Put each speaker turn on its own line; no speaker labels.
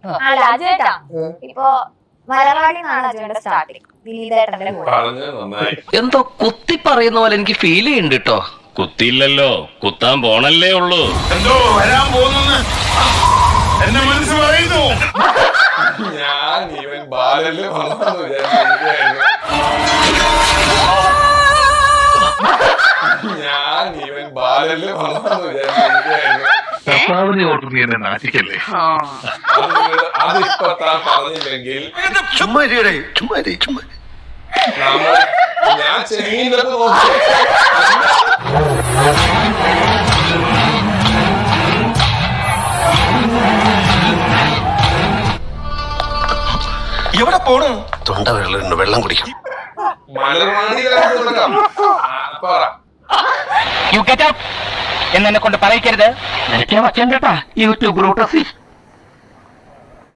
അല്ല അജയേട്ടാ ഇപ്പൊ മലർവാടി നിന്നാണ് അജയുടെ സ്റ്റാർട്ടിങ് ദിലീപേട്ടന്റെ കൂടെ.
എന്തോ കുത്തി പറയുന്ന പോലെ എനിക്ക് ഫീൽ ചെയ്യുന്നുണ്ട് കേട്ടോ.
കുത്തിയില്ലല്ലോ, കുത്താൻ പോണല്ലേ ഉള്ളൂ.
എന്തോ വരാൻ പോകുന്നു എന്നെ മനസ്സ് പറയുന്നു.
ഞാൻ ഇവൻ ബാലല് വന്നു വിചാരിച്ചു. ഞാൻ ഇവൻ ബാലല് വന്നു വിചാരിച്ചു. അതിപ്പോ താൻ പറഞ്ഞില്ലെങ്കിൽ ഞാൻ ചെമ്മീനൊക്കെ നോക്കി.
എവിടെ പോണു?
തൊണ്ട വെള്ളം കുടിക്കും.
എന്നെ കൊണ്ട് പറയിക്കരുത്. യൂട്യൂബ്